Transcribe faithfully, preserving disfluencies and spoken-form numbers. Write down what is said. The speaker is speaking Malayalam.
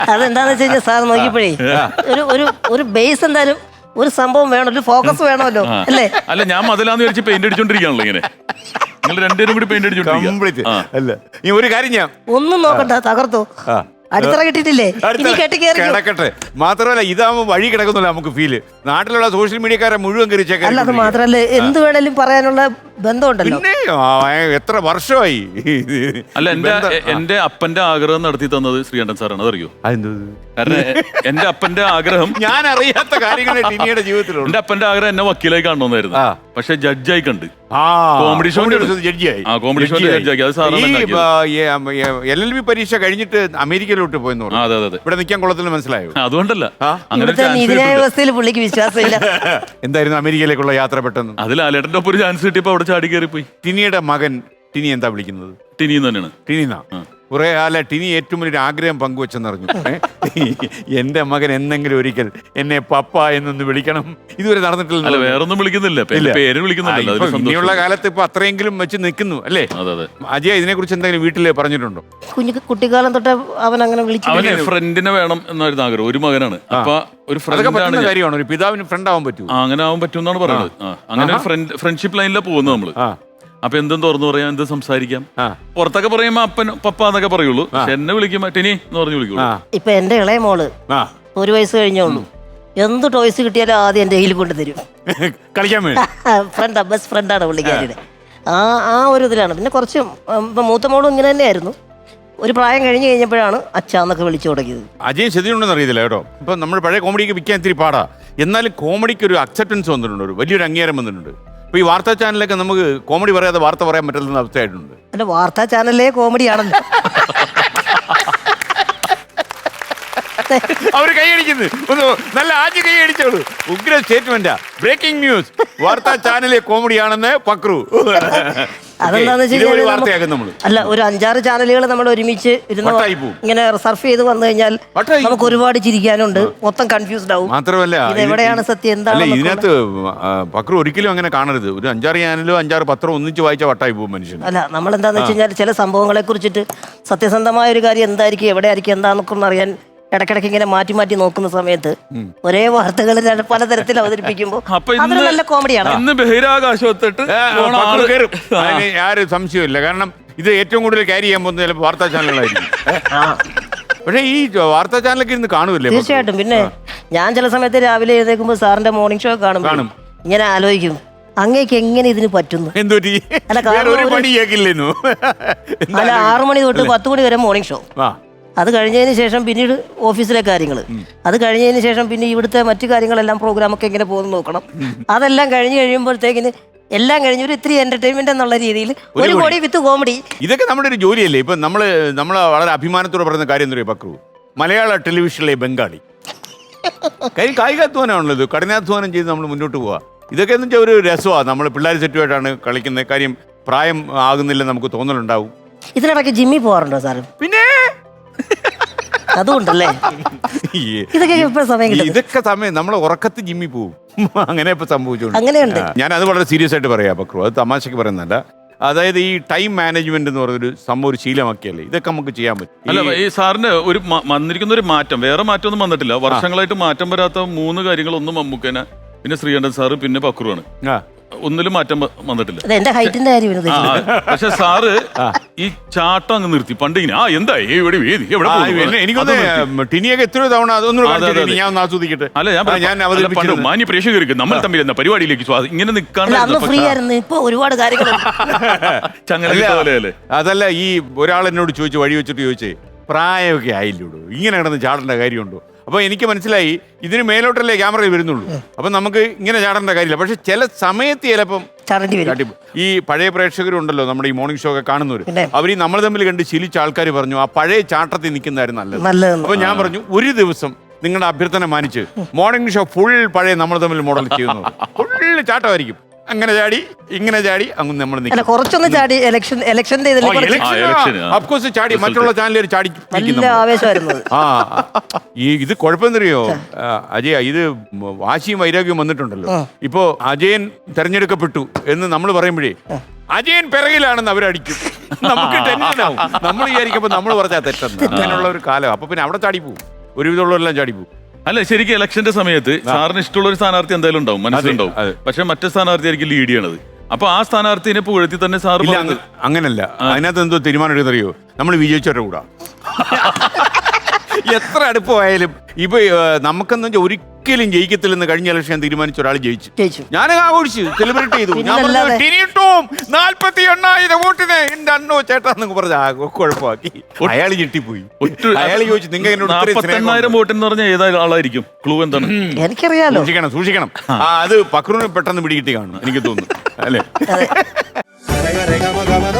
അതെന്താന്ന് വെച്ച് കഴിഞ്ഞാൽ സാർ നോക്കിയപ്പോഴേ ഒരു ഒരു ഒരു ബേസ് എന്തായാലും ഒരു സംഭവം വേണം, ഒരു ഫോക്കസ് വേണമല്ലോ അല്ലേ? അല്ല ഞാൻ മതിലാന്ന് വിചാരിച്ച് പെയിന്റ് അടിച്ചോണ്ടിരിക്കുകയാണല്ലോ ഇങ്ങനെ. നിങ്ങൾ രണ്ടുപേരും കൂടി പെയിന്റ് അടിച്ചോണ്ടിരിക്കുക. അല്ല നീ ഒരു കാര്യം ഞാൻ ഒന്നും നോക്കണ്ട, തകർത്തോ. അടിത്തറ കിട്ടിയിട്ടില്ലേ, ഇനി കെട്ടി കയറി കിടക്കട്ടെ. മാത്രമല്ല ഇതാവുമ്പോ വഴി കിടക്കുന്നില്ല നമുക്ക് ഫീല്. നാട്ടിലുള്ള സോഷ്യൽ മീഡിയക്കാരെ മുഴുവൻ കയറി. അല്ല അത് മാത്രല്ല എന്ത് വേണേലും പറയാനുള്ള ബന്ധമുണ്ടല്ലോ. പിന്നെ എത്ര വർഷമായി. അല്ല എന്റെ എന്റെ അപ്പന്റെ ആഗ്രഹം നടത്തി തന്നത് ശ്രീകണ്ഠൻ സാറാണ്, അതറിയോ? കാരണം എന്റെ അപ്പന്റെ ആഗ്രഹം ഞാൻ അറിയാത്ത കാര്യങ്ങൾ ടിനിയുടെ ജീവിതത്തിലുണ്ട്. എന്റെ അപ്പന്റെ ആഗ്രഹം എന്നെ വക്കീലായി കാണണമെന്നായിരുന്നു. പക്ഷെ ജഡ്ജായി കണ്ട് കോമഡി ഷോ ജഡ്ജിയായി. കോമഡി ഷോ ജഡ്ജിയാക്കി. അത് സാറാണ് എൽ എൽ ബി പരീക്ഷ കഴിഞ്ഞിട്ട് അമേരിക്കയിലോട്ട് പോയെന്ന് പറഞ്ഞു. അതെ അതെ. ഇവിടെ നിൽക്കാൻ കൊള്ളത്തില്ല, മനസ്സിലായോ? അതുകൊണ്ടല്ല നീതിന്യായ വ്യവസ്ഥയിൽ പുള്ളിക്ക് വിശ്വാസമില്ല. എന്തായിരുന്നു അമേരിക്കയിലേക്കുള്ള യാത്ര പെട്ടെന്ന്? അതിൽ ലാലേട്ടന്റെ ഒപ്പം ഒരു ചാൻസ് കിട്ടിയപ്പോ അവിടെ ചാടി കയറി പോയി. ടിനിയുടെ മകൻ ടിനി എന്താ വിളിക്കുന്നത്? ടിനി തന്നെയാണ്. ടിനിന്നാ കുറെ അല്ല ടിനി ഏറ്റവും വലിയൊരു ആഗ്രഹം പങ്കുവെച്ചെന്നറിഞ്ഞു. എന്റെ മകൻ എന്നെങ്കിലും ഒരിക്കൽ എന്നെ പപ്പ എന്നൊന്ന് വിളിക്കണം. ഇതുവരെ നടന്നിട്ടില്ല. വേറൊന്നും വിളിക്കുന്നില്ല, പേര് വിളിക്കുന്നില്ല. ഇനിയുള്ള കാലത്ത് ഇപ്പൊ അത്രയെങ്കിലും വെച്ച് നിൽക്കുന്നു അല്ലേ? അജയ ഇതിനെ കുറിച്ച് എന്തെങ്കിലും വീട്ടില് പറഞ്ഞിട്ടുണ്ടോ? കുഞ്ഞു കുട്ടിക്കാലം തൊട്ട് അവൻ അങ്ങനെ വിളിച്ചു. അവന് ഫ്രണ്ടിനെ വേണം എന്നായിരുന്നു ആഗ്രഹം. ഒരു മകനാണ്. അപ്പൊ ഒരു ഫ്രണ്ട് കാര്യമാണ്, ഒരു പിതാവിന് ഫ്രണ്ട് ആവാൻ പറ്റും. അങ്ങനെ ആവാൻ പറ്റും എന്നാണ് പറയുന്നത്. അങ്ങനെ ഫ്രണ്ട്ഷിപ്പ് ലൈനിലാണ് പോകുന്നത് നമ്മള്. അപ്പൊ എന്തും തുറന്നു പറയാം, എന്തും സംസാരിക്കാം. പുറത്തൊക്കെ പറയുമ്പോ അപ്പൻ പപ്പ എന്നൊക്കെ പറയുള്ളൂ. പക്ഷെ എന്നെ വിളിക്കുമ്പോ ടിനി എന്ന് പറഞ്ഞു വിളിക്കുള്ളൂ. ഇപ്പൊ എന്റെ ഇളയ മോള് ഒരു വയസ്സ് കഴിഞ്ഞോളൂ, എന്ത് ടോയ്സ് കിട്ടിയാലും ആദ്യം എന്റെ കയ്യിൽ കൊണ്ട് തരും. കളിക്കാൻ ഫ്രണ്ടാ, ബെസ്റ്റ് ഫ്രണ്ടാണ് പുള്ളിക്കാരിയുടെ. ആ ആ ഒരു ഇതിലാണ്. പിന്നെ കുറച്ച് മൂത്ത മോളും ഇങ്ങനെ തന്നെയായിരുന്നു. ഒരു പ്രായം കഴിഞ്ഞ് കഴിഞ്ഞപ്പോഴാണ് അച്ഛാന്നൊക്കെ വിളിച്ചു തുടങ്ങിയത്. അജയ് ശരിയുണ്ടെന്ന് അറിയത്തില്ല കേട്ടോ. ഇപ്പൊ നമ്മൾ പഴയ കോമഡിക്ക് വിൽക്കാൻ ഇത്തിരി പാടാ. എന്നാലും കോമഡിക്ക് ഒരു അക്സെപ്റ്റൻസ് വന്നിട്ടുണ്ട്, ഒരു വലിയൊരു അംഗീകാരം വന്നിട്ടുണ്ട്. ഇപ്പൊ ഈ വാർത്താ ചാനലൊക്കെ നമുക്ക് കോമഡി പറയാതെ വാർത്ത പറയാൻ പറ്റുന്ന അവസ്ഥയായിട്ടുണ്ട്. അല്ല വാർത്താ ചാനലേ കോമഡി ആണല്ലോ. അവര് കൈയടിക്കുന്നു, ഒന്ന് നല്ല ആദ്യം കൈയടിച്ചോളൂ. ഉഗ്ര സ്റ്റേറ്റ്മെന്റാ. ബ്രേക്കിംഗ് ന്യൂസ്, വാർത്താ ചാനലിലെ കോമഡിയാണെന്ന് പക്രു. അതെന്താന്ന് വെച്ച് കഴിഞ്ഞാൽ അല്ല ഒരു അഞ്ചാറ് ചാനലുകൾ നമ്മൾ ഒരുമിച്ച് ഇരുന്ന് ഇങ്ങനെ സർഫ് ചെയ്ത് വന്നു കഴിഞ്ഞാൽ നമുക്ക് ഒരുപാട് ചിരിക്കാനുണ്ട്. മൊത്തം കൺഫ്യൂസ്ഡ് ആവും. മാത്രമല്ല എവിടെയാണ് സത്യം, എന്താണ് ഇതിനകത്ത് പക്രു ഒരിക്കലും അങ്ങനെ കാണരുത്. ഒരു അഞ്ചാറ് ചാനലോ അഞ്ചാറ് പത്രം ഒന്നിച്ച് വായിച്ച വട്ടായി പോകും മനുഷ്യൻ. അല്ല നമ്മൾ എന്താന്ന് വെച്ച് കഴിഞ്ഞാൽ ചില സംഭവങ്ങളെ കുറിച്ചിട്ട് സത്യസന്ധമായ ഒരു കാര്യം എന്തായിരിക്കും, എവിടെ ആയിരിക്കും, എന്താന്നൊക്കെ അറിയാൻ ഇടയ്ക്കിടയ്ക്ക് ഇങ്ങനെ മാറ്റി മാറ്റി നോക്കുന്ന സമയത്ത് ഒരേ വാർത്തകൾ പലതരത്തിൽ അവതരിപ്പിക്കുമ്പോൾ അതൊരു നല്ല കോമഡിയാണ്. ആരും സംശയമില്ല. കാരണം ഇത് ഏറ്റവും കൂടുതൽ ക്യാരി ചെയ്യാൻ പോകുന്ന ചിലപ്പോൾ വാർത്താ ചാനലുകളായിരിക്കും. പക്ഷേ ഈ വാർത്താ ചാനലൊക്കെ ഇരുന്ന് കാണുമല്ലേ? തീർച്ചയായിട്ടും. പിന്നെ ഞാൻ ചില സമയത്ത് രാവിലെ എഴുന്നേൽക്കുമ്പോൾ സാറിന്റെ മോർണിംഗ് ഷോ കാണും, ഇങ്ങനെ ആലോചിക്കും അങ്ങേക്ക് എങ്ങനെ ഇതിന് പറ്റുന്നു. അല്ല ആറു മണി തൊട്ട് പത്ത് മണി വരെ മോർണിംഗ് ഷോ, അത് കഴിഞ്ഞതിന് ശേഷം പിന്നീട് ഓഫീസിലെ കാര്യങ്ങൾ, അത് കഴിഞ്ഞതിന് ശേഷം പിന്നെ ഇവിടുത്തെ മറ്റു കാര്യങ്ങളെല്ലാം പ്രോഗ്രാമൊക്കെ എങ്ങനെ പോകുന്നു നോക്കണം. അതെല്ലാം കഴിഞ്ഞ് കഴിയുമ്പോഴത്തേക്കിന് എല്ലാം കഴിഞ്ഞ് ഒരു ഇത്തിരി എന്റർടൈൻമെന്റ് എന്നുള്ള രീതിയിൽ ഒരു കോടി വിത്ത് കോമഡി. ഇതൊക്കെ നമ്മുടെ ഒരു ജോലിയല്ലേ? ഇപ്പൊ നമ്മള് നമ്മൾ വളരെ അഭിമാനത്തോടെ പറയുന്ന കാര്യം എന്താ പറയുക പക്രു, മലയാള ടെലിവിഷനിലെ ബംഗാളി കൈ കായികാധ്വാനമാണല്ലോ ഇത്. കഠിനാധ്വാനം ചെയ്ത് നമ്മൾ മുന്നോട്ട് പോവാ. ഇതൊക്കെ എന്ന് വെച്ചാൽ ഒരു രസമാണ്. നമ്മൾ പിള്ളേർ സെറ്റുമായിട്ടാണ് കളിക്കുന്ന കാര്യം. പ്രായം ആകുന്നില്ല നമുക്ക് തോന്നലുണ്ടാവും. ഇതിനിടയ്ക്ക് ജിമ്മിൽ പോകാറുണ്ടോ സാറ്? പിന്നെ അതുകൊണ്ടല്ലേ ഇതൊക്കെ സമയം ഇതൊക്കെ സമയം നമ്മൾ ഉറക്കത്ത് ജിമ്മിൽ പോവും. അങ്ങനെ ഇപ്പൊ സംഭവിച്ചോളൂ. അങ്ങനെയുണ്ട്. ഞാൻ അത് വളരെ സീരിയസ് ആയിട്ട് പറയാം പക്രു, അത് തമാശക്ക് പറയുന്നതല്ല. അതായത് ഈ ടൈം മാനേജ്മെന്റ് എന്ന് പറയുന്നൊരു സംഭവം ഒരു ശീലമാക്കിയല്ലേ ഇതൊക്കെ നമുക്ക് ചെയ്യാൻ പറ്റും. അല്ല ഈ സാറിന് ഒരു വന്നിരിക്കുന്ന ഒരു മാറ്റം, വേറെ മാറ്റമൊന്നും വന്നിട്ടില്ല. വർഷങ്ങളായിട്ട് മാറ്റം വരാത്ത മൂന്ന് കാര്യങ്ങളൊന്നും മമ്മൂക്കനെ, പിന്നെ ശ്രീകണ്ഠൻ സാറ്, പിന്നെ പക്രുവാണ്. ഒന്നിലും മാറ്റം വന്നിട്ടില്ല. എന്റെ ഹൈറ്റിന്റെ കാര്യം. പക്ഷെ സാറ് ഈ ചാട്ടം അങ്ങ് നിർത്തി. പണ്ട് ഇങ്ങനെ ആ എന്താ ഇവിടെ എനിക്കൊന്ന് ടിനിയൊക്കെ എത്രയോ തവണ അതൊന്നും ഞാൻ ആസ്വദിക്കട്ടെ. അല്ല ഞാൻ മാന്യ പ്രേക്ഷകർക്ക് നമ്മൾ തമ്മിൽ എന്ന പരിപാടിയിലേക്ക് ഇങ്ങനെ നിൽക്കാണ്ട് ഫ്രീ ആയിരുന്നു. ഇപ്പൊ ഒരുപാട് കാര്യങ്ങൾ ചങ്ങല. അതല്ല ഈ ഒരാൾ എന്നോട് ചോദിച്ചു, വഴി വെച്ചിട്ട് ചോദിച്ചേ പ്രായമൊക്കെ ആയില്ലൂടൂ, ഇങ്ങനെ കിടന്ന് ചാടേണ്ട കാര്യമുണ്ടോ? അപ്പോൾ എനിക്ക് മനസ്സിലായി ഇതിന് മേലോട്ടല്ലേ ക്യാമറയിൽ വരുന്നുള്ളൂ. അപ്പം നമുക്ക് ഇങ്ങനെ ചാടേണ്ട കാര്യമില്ല. പക്ഷെ ചില സമയത്ത് ചിലപ്പം ഈ പഴയ പ്രേക്ഷകരുണ്ടല്ലോ നമ്മുടെ ഈ മോർണിംഗ് ഷോ ഒക്കെ കാണുന്നവർ, അവർ ഈ നമ്മൾ തമ്മിൽ കണ്ട് ശീലിച്ച ആൾക്കാർ പറഞ്ഞു ആ പഴയ ചാട്ടത്തിൽ നിൽക്കുന്നതായിരുന്നു നല്ലത്. അപ്പോൾ ഞാൻ പറഞ്ഞു ഒരു ദിവസം നിങ്ങളുടെ അഭ്യർത്ഥന മാനിച്ച് മോർണിംഗ് ഷോ ഫുൾ പഴയ നമ്മൾ തമ്മിൽ മോഡൽ ചെയ്യുന്നു, ഫുൾ ചാട്ടമായിരിക്കും. അങ്ങനെ ചാടി ഇങ്ങനെ ചാടി അങ്ങ് നമ്മൾ അല്ല കുറച്ചൊന്ന് ചാടി ഇലക്ഷൻ ഇലക്ഷന്റെ ഇതിൽ കുറച്ച് ആ, election, ആ. അഫ്കോഴ്സ് ചാടി മറ്റുള്ള ചാനലുകാർ ചാടി നല്ല ആവേശമായിരുന്നു അത്. ആ ഈ ഇത് കുഴപ്പമെന്നറിയോ ആ, അജയ ഇത് വാശിയും വൈരാഗ്യവും വന്നിട്ടുണ്ടല്ലോ ഇപ്പോ അജയൻ തെരഞ്ഞെടുക്കപ്പെട്ടു എന്ന് നമ്മൾ പറയുമ്പോഴേ അജയൻ പിറകിലാണെന്ന് അവരടിക്കും. നമുക്ക് ടെൻഷനാവും. നമ്മൾ വിചാരിക്കുമ്പോ നമ്മൾ പറഞ്ഞാൽ തെറ്റെന്ന് അങ്ങനെയുള്ള ഒരു കാലം. അപ്പൊ പിന്നെ അവിടെ ചാടിപ്പോവും, ഒരുവിധമുള്ളവരെല്ലാം ചാടിപ്പോവും. അല്ല ശരിക്കും ഇലക്ഷന്റെ സമയത്ത് സാറിന് ഇഷ്ടമുള്ള ഒരു സ്ഥാനാർത്ഥി എന്തായാലും ഉണ്ടാവും, മനസ്സിലുണ്ടാവും. അതെ. പക്ഷെ മറ്റേ സ്ഥാനാർത്ഥി ആയിരിക്കും ലീഡ് ചെയ്യണത്. അപ്പൊ ആ സ്ഥാനാർത്ഥിനെ പുകഴ്ത്തി തന്നെ സാർ ഇല്ല, അങ്ങ- അങ്ങനല്ല. അതിനകത്ത് എന്തോ തീരുമാനം എടുക്കുന്നറിയോ, നമ്മൾ വിജയിച്ചവരുടെ കൂടാ. എത്ര അടുപ്പമായാലും ഇപ്പൊ നമുക്കെന്ന് വെച്ചാൽ ഒരിക്കലും ജയിക്കത്തില്ലെന്ന് കഴിഞ്ഞ ഇലക്ഷൻ തീരുമാനിച്ച ഒരാൾ ജയിച്ചു. ജയിച്ചു. ഞാൻ ആഘോഷിച്ചു, സെലിബ്രേറ്റ് ചെയ്തു. ഞാൻ പിന്നല്ലാതെ. നാൽപ്പത്തി എണ്ണായിരം വോട്ടിന് എന്റെ അണ്ണോ ചേട്ടാന്നൊക്കെ പറഞ്ഞ കുഴപ്പമാക്കി. അയാൾ ഞെട്ടിപ്പോയി. അയാൾ ചോദിച്ചു നിങ്ങൾ എന്നോട് ഇത്രയും സ്നേഹം നാപ്പത്തെണ്ണായിരം വോട്ടെന്ന് പറഞ്ഞാൽ ഏതാ ആളായിരിക്കും? ക്ലൂ എന്താണ്? എനിക്കറിയാലോ. സൂക്ഷിക്കണം സൂക്ഷിക്കണം. ആ അത് പക്രൂന് പെട്ടെന്ന് പിടികിട്ടി കാണും എനിക്ക് തോന്നുന്നു അല്ലേ. അതെ. Rega, rega, maga,